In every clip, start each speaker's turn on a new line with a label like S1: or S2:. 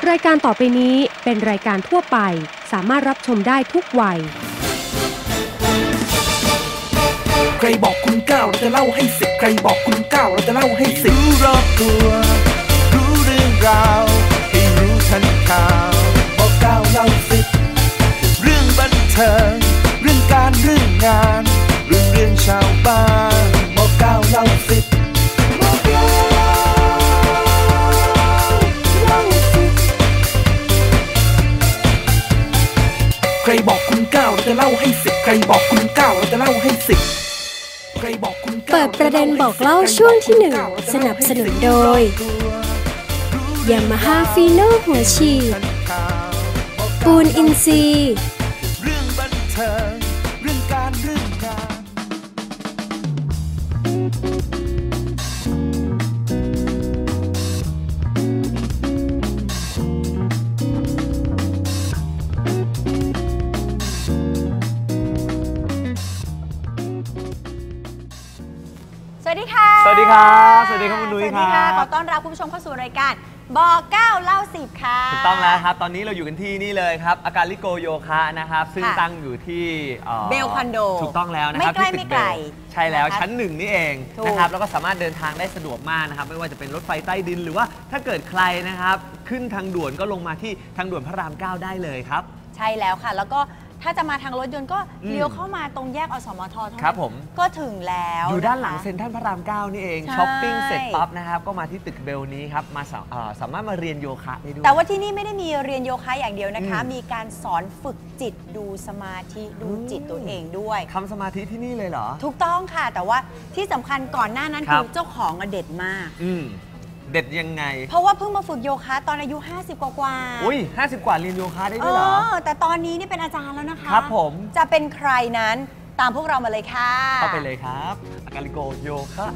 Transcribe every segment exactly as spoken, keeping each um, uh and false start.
S1: รายการต่อไปนี้เป็นรายการทั่วไปสามารถรับชมได้ทุกวัย
S2: ใครบอกคุณเก้าเราจะเล่าให้สิบใครบอกคุณเก้าเราจะเล่าให้สิบรู้รอบตัวรู้เรื่องราวให้รู้ทันข่าวบอกเก้าเล่าสิบเรื่องบันเทิงเรื่องการเรื่องงานเรื่องเรื่องชาวบ้านบอกเก้าเล่าสิบบอกเก้าเล่าสิบใครบอกคุณเก้าเราจะเล่าให้สิบใครบอกคุณเก้าเราจะเล่าให้สิบ
S3: เปิดประเด็นบอกเล่าช่วงที่หนึ่งสนับสนุนโดยยามาฮ่าฟีโน่หัวฉีดปูนอินทรีย์
S2: เรื่องบันเทิงเรื่องการเรื่องงาน
S4: สวัสดีค่ะ
S5: สวัสดีครับสวัสดีครับคุณนุ้ยครับ
S4: สวัสดีค่ะขอต้อนรับคุณผู้ชมเข้าสู่รายการบอกเก้าเล่าสิบค่ะ
S5: ถูกต้องแล้วครับตอนนี้เราอยู่กันที่นี่เลยครับอาการลิโกโยคะนะครับซึ่งตั้งอยู่ที่
S4: เบลคอนโด
S5: ถูกต้องแล้วนะครับ
S4: ไม่ใกล้ไม่ไกล
S5: ใช่แล้วชั้นหนึ่งนี่เองนะครับแล้วก็สามารถเดินทางได้สะดวกมากนะครับไม่ว่าจะเป็นรถไฟใต้ดินหรือว่าถ้าเกิดใครนะครับขึ้นทางด่วนก็ลงมาที่ทางด่วนพระรามเก้าได้เลยครับ
S4: ใช่แล้วค่ะแล้วก็ถ้าจะมาทางรถยนต์ก็เลี้ยวเข้ามาตรงแยกอสมทเท่านั้นก็ถึงแล้ว
S5: อยู่ด้านหลังเซ็นทรัลพระรามเก้านี่เองช้อปปิ้งเสร็จปั๊บนะครับก็มาที่ตึกเบลนี้ครับมาสามารถมาเรียนโยคะได้ด้วย
S4: แต่ว่าที่นี่ไม่ได้มีเรียนโยคะอย่างเดียวนะคะมีการสอนฝึกจิตดูสมาธิดูจิตตัวเองด้วย
S5: ทำสมาธิที่นี่เลยเหรอ
S4: ถูกต้องค่ะแต่ว่าที่สำคัญก่อนหน้านั้นคือเจ้าของเด็ดมาก
S5: เด็ดยังไง
S4: เพราะว่าเพิ่งมาฝึกโยคะตอนอายุห้าสิบกว่าๆ
S5: อุ้ยห้าสิบกว่าเรียนโยคะได้ด้วยเหรอ
S4: เออแต่ตอนนี้นี่เป็นอาจารย์แล้วนะคะ
S5: ครับผม
S4: จะเป็นใครนั้นตามพวกเรามาเลยค่ะ
S5: เข้าไปเลยครับอาการลิโกโยคะ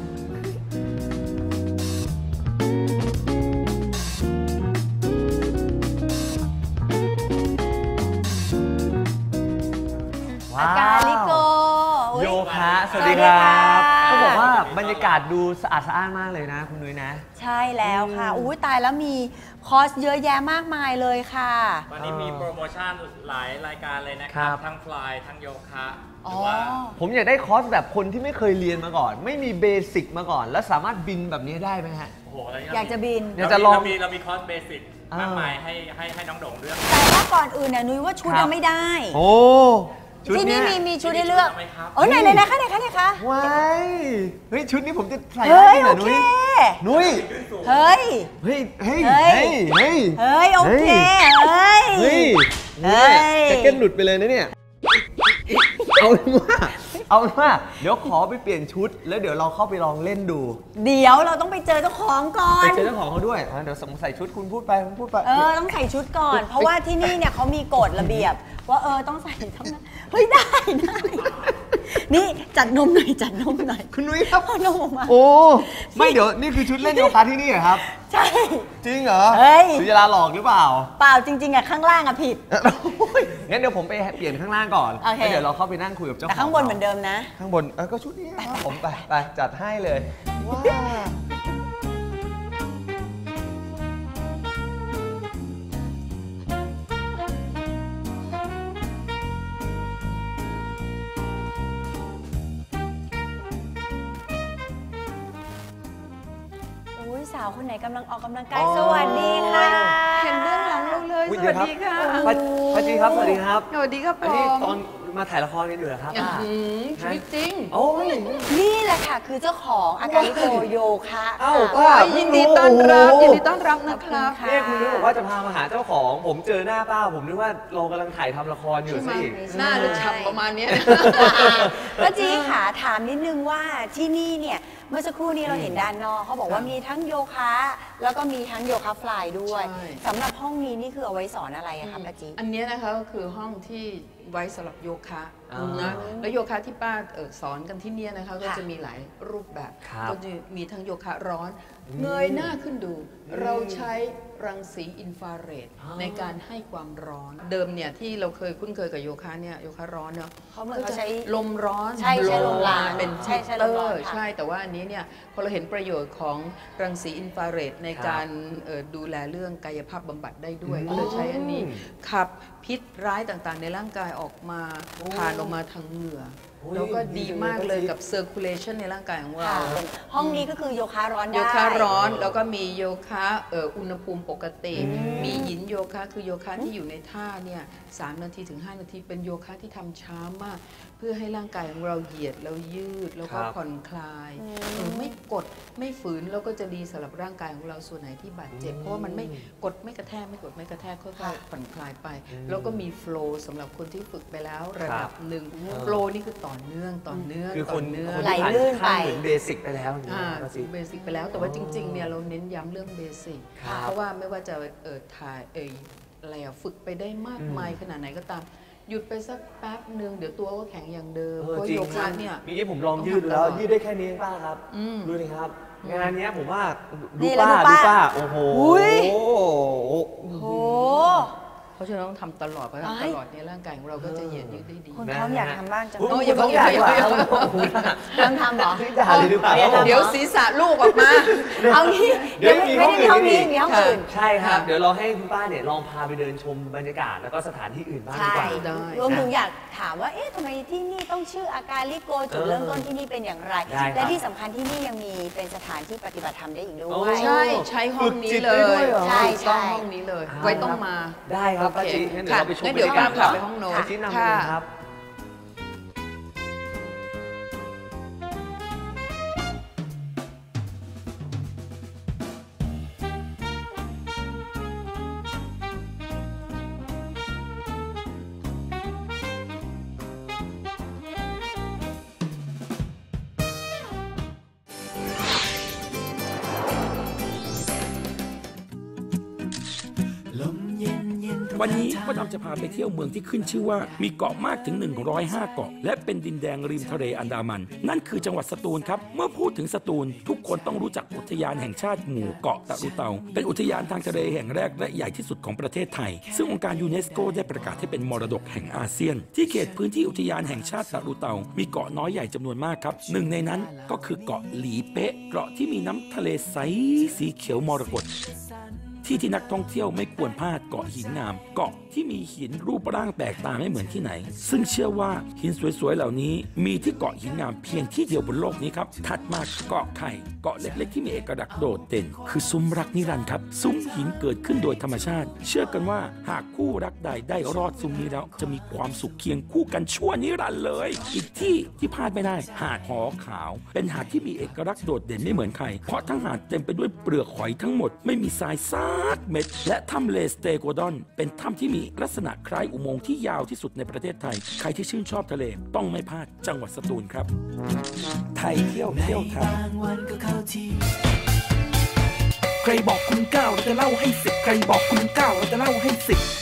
S4: อาการลิโก
S5: โยคะสวัสดีครับเขาบอกว่าบรรยากาศดูสะอาดสะอ้านมากเลยนะคุณนุ้ยนะ
S4: ใช่แล้วค่ะอุ้ยตายแล้วมีคอร์สเยอะแยะมากมายเลยค่ะ
S6: วันนี้มีโปรโมชั่นหลายรายการเลยนะครับทั้งฟลายทั้งโยคะหรือว่า
S5: ผมอยากได้คอร์สแบบคนที่ไม่เคยเรียนมาก่อนไม่มีเบสิกมาก่อนแล้วสามารถบินแบบนี้ได้ไหมฮะ
S6: โอ้โห
S4: อยากจะบิน
S6: อยากจะลองเรามีคอร์สเบสิกมากมายให้ให้ให้น้องโด่งเลือก
S4: แต่ว่าก่อนอื่นเนี่ยนุ้ยว่าชุดยังไม่ได้
S5: โอ้
S4: ที่นี่มีมีชุดให้เลือกโอ้ไหนไหนไหนคะไหนคะไหนคะ
S5: ว้ายเฮ้ยชุดนี้ผมจะใส่ได้ไหมนุ้ยนุ้ย
S4: เฮ้ย
S5: เฮ้ยเฮ้ยเฮ้ยเฮ้ย
S4: เฮ้ยโอเคเฮ้ย
S5: เฮ้ยเฮ้ยแจ็คเก็ตหลุดไปเลยนะเนี่ยเอาว่าเอาว่าเดี๋ยวขอไปเปลี่ยนชุดแล้วเดี๋ยวเราเข้าไปลองเล่นดู
S4: เดี๋ยวเราต้องไปเจอเจ้าของก่อน
S5: ไปเจอเจ้าของเขาด้วยเดี๋ยวใส่ชุดคุณพูดไปคุณพูดไป
S4: เออต้องใส่ชุดก่อนเพราะว่าที่นี่เนี่ยเขามีกฎระเบียบว่าเออต้องใส่เท่านั้นเฮ้ยได้ได้นี่จัดนมหน่อยจัดนมหน่อย
S5: คุณนุ้ยครับ
S4: นมออกมา
S5: โอ้ไม่เดี๋ยวนี่คือชุดเล่นโยคะที่นี่เหรอครับ
S4: ใช่
S5: จริงเหรอเฮ้ยสุจราหลอกหรือเปล่า
S4: เปล่าจริงๆอะข้างล่างอะผิด
S5: งั้นเดี๋ยวผมไปเปลี่ยนข้างล่างก่อนแล้วเดี๋ยวเราเข้าไปนั่งคุยกับเจ้าของ
S4: แต่ข้างบนเหมือนเดิมนะ
S5: ข้างบนเออก็ชุดนี้ผมไปไปจัดให้เลยว้า
S4: สาวคนไหนกำลังออกกำลังกายสวัสดีค่ะ
S7: เห็นเบื้องหลังเราเลยสวัสดีค่ะ
S5: ป้าจีครับสวัสดีครับ
S7: สวัสดีครับ
S5: อันนี้ตอนมาถ่ายละครกันอยู่เหรอครับ
S7: ชีวิตจริง
S5: โอ้ย
S4: นี่แหละค่ะคือเจ้าของอาการลิโกโยคะ
S5: เอ้าป้า
S7: ยินดีต้อนรับยินดีต้อนรับนะครับ
S5: นี่คุณรู้บอกว่าจะพามาหาเจ้าของผมเจอหน้าป้าผมนึกว่าเรากำลังถ่ายทำละครอยู่สิ
S7: หน้าจะฉ่ำประมาณนี้
S4: ป้าจีค่ะถามนิดนึงว่าที่นี่เนี่ยเมื่อสักครู่นี้เราเห็นด้านนอกเขาบอกว่ามีทั้งโยคะแล้วก็มีทั้งโยคะฟลายด้วยสำหรับห้องนี้นี่คือเอาไว้สอนอะไรคะป้าจี
S7: อันนี้นะคะก็คือห้องที่ไว้สำหรับโยคะนะแล้วโยคะที่ป้าเออสอนกันที่เนี่ยนะคะก็จะมีหลายรูปแบบก็จะมีทั้งโยคะร้อนเงยหน้าขึ้นดูเราใช้รังสีอินฟราเรดในการให้ความร้อนเดิมเนี่ยที่เราเคยคุ้นเคยกับโยคะเนี่ยโยคะร้อนเนี่ย
S4: เขาเหมือนเขาใช้
S7: ลมร้อน
S4: ใช่ใช่ลมร้อน
S7: เป็น
S4: ใช่
S7: ฮี
S4: ใช่
S7: เต
S4: ล
S7: อ
S4: มร้อน
S7: ร์
S4: ค่ะ
S7: ใช่แต่ว่าอันนี้เนี่ยพอเราเห็นประโยชน์ของรังสีอินฟราเรดในการดูแลเรื่องกายภาพบำบัดได้ด้วยก็เลยใช้อันนี้ขับพิษร้ายต่างๆในร่างกายออกมาผ่านออกมาทางเหงื่อแล้วก็ดีมากเลยกับ circulation ในร่างกายของเรา
S4: ห้องนี้ก็คือโยคะร้อนได้
S7: โยคะร้อนแล้วก็มีโยคะเอ่ออุณหภูมิปกติมีหยินโยคะคือโยคะที่อยู่ในท่าเนี่ยสามนาทีถึงห้านาทีเป็นโยคะที่ทำช้ามากเพื่อให้ร่างกายของเราเหยียดแล้วยืดแล้วก็ผ่อนคลายเออไม่กดไม่ฝืนแล้วก็จะดีสำหรับร่างกายของเราส่วนไหนที่บาดเจ็บเพราะว่ามันไม่กดไม่กระแทกไม่กดไม่กระแทกค่อยๆผ่อนคลายไปแล้วก็มีโฟลว์สำหรับคนที่ฝึกไปแล้วระดับหนึ่งโฟลว์นี่คือต่อเนื่องต่อเนื่อง
S5: คือคน
S7: เนื่อง
S5: คน
S4: ไหล
S5: ที่
S4: ลื่นไป
S5: ผ่านขั้นเหมือนเบสิกไปแล้วอย่าง
S7: อ่า
S5: นี้นะสิ
S7: เบสิกไปแล้วแต่ว่าจริงๆเนี่ยเราเน้นย้ำเรื่องเบสิก
S5: ครับ
S7: เพราะว่าไม่ว่าจะเออถ่ายเอออะไรอะฝึกไปได้มากมายขนาดไหนก็ตามหยุดไปสักแป๊บหนึ่งเดี๋ยวตัวก็แข็งอย่างเดิม
S5: เออ
S7: เพราะ
S5: จริง
S7: โยคะเนี่ย
S5: เมื่อกี้ผมลองยืดดูแล้วยืดได้แค่นี้ป้าครับ
S7: อืม
S5: ดูดิครับงานเนี้ยผมว่าดู
S4: นี่แล้ว
S5: ป้า
S4: ดู
S5: ดู
S4: ป้า
S5: ป้าโอ้โห
S4: อุ๊ย
S5: โอ้โห
S4: โห
S7: เพราะฉะนั้นต้องทำตลอดเพราะ
S4: เอ้ย
S7: ตลอดเนี่ยร่างกายของเราก็จะเหยียดยืดได้ดี
S4: คุณเขาอยากทำบ้างจัง
S5: โอ้ย
S7: โอ้ย
S5: อย่า
S7: อย่า
S5: เพิ่ง
S7: อย่า
S5: อยาก
S7: อย่า
S5: ว่า
S4: เริ่มทำเหรอ
S5: ด่าเลยดีกว่า
S4: เดี๋ยว
S7: เดี๋ยวศีรษะลูกออกมา
S4: เอางี้
S5: เดี๋ยวมี
S4: ไม่ได้ห้องนี้
S5: ห้องอื่น
S4: มีห้องอื่น
S5: ใช่ครับ เดี๋ยวเราให้คุณป้าเนี่ยลองพาไปเดินชมบรรยากาศแล้วก็สถานที่อื่นบ้างดี
S4: ใช่
S5: กว่า
S7: ได้
S4: รวมถึงอยากถามว่า เอ๊ะทำไมที่นี่ต้องชื่ออาการลิโกจุดเริ่มต้นที่นี่เป็นอย่างไร
S5: ได้ครับ
S4: และที่สำคัญที่นี่ยังมีเป็นสถานที่ปฏิบัติธรรมได้อีกด้
S5: โอ้
S4: วย
S7: ใช่ใช้ห้องนี้เล
S5: ฝึกจิตได้ด้วย
S7: ย
S5: เหรอ
S4: ใช่
S7: ถูกต้อง
S4: ใช่
S7: ห้องนี้เลย
S5: เอา
S7: ไว้ต้องมา
S5: ได้ครับ
S7: โอ
S5: ป้า
S7: เค
S5: จีงั้นเดี๋ยวเราไปชม
S7: งั้นเดี๋ยว
S5: บรรยากาศ
S7: ป้าพาไปห้องโน้ต
S5: ป้าจีนำเลยครับ
S8: วันนี้ก็ดำจะพาไปเที่ยวเมืองที่ขึ้นชื่อว่ามีเกาะมากถึงหนึ่งร้อยห้าเกาะและเป็นดินแดงริมทะเลอันดามัน นั่นคือจังหวัดสตูลครับเมื่อพูดถึงสตูลทุกคนต้องรู้จักอุทยานแห่งชาติหมู่เกาะตะลุเตาเป็นอุทยานทางทะเลแห่งแรกและใหญ่ที่สุดของประเทศไทยซึ่งองค์การยูเนสโกได้ประกาศให้เป็นมรดกแห่งอาเซียนที่เขตพื้นที่อุทยานแห่งชาติตะลุเตามีเกาะน้อยใหญ่จำนวนมากครับหนึ่งในนั้นก็คือเกาะหลีเป๊ะเกาะที่มีน้ำทะเลใสสีเขียวมรกตที่ที่นักท่องเที่ยวไม่ควรพลาดเกาะหินงามเกาะที่มีหินรูปร่างแปลกตาไม่เหมือนที่ไหนซึ่งเชื่อว่าหินสวยๆเหล่านี้มีที่เกาะหินงามเพียงที่เดียวบนโลกนี้ครับถัดมาเกาะไข่เกาะเล็กๆที่มีเอกลักษณ์โดดเด่นคือซุ้มรักนิรันดร์ครับซุ้มหินเกิดขึ้นโดยธรรมชาติเชื่อกันว่าหากคู่รักใดได้รอดซุ้มนี้แล้วจะมีความสุขเคียงคู่กันชั่วนิรันดร์เลยอีกที่ที่พลาดไม่ได้หาดหอขาวเป็นหาดที่มีเอกลักษณ์โดดเด่นไม่เหมือนใครเพราะทั้งหาดเต็มไปด้วยเปลือกหอยทั้งหมดไม่มีทรายซักเม็ดและถ้ำเลสเตโกดอนเป็นถ้ำที่มีลักษณะคล้ายอุโมงค์ที่ยาวที่สุดในประเทศไทยใครที่ชื่นชอบทะเลต้องไม่พลาดจังหวัดสตูลครับไทยเที่ยวเที่ยวไทย
S2: ใครบอกคุณเก้าเราจะเล่าให้สิบใครบอกคุณเก้าเราจะเล่าให้สิบ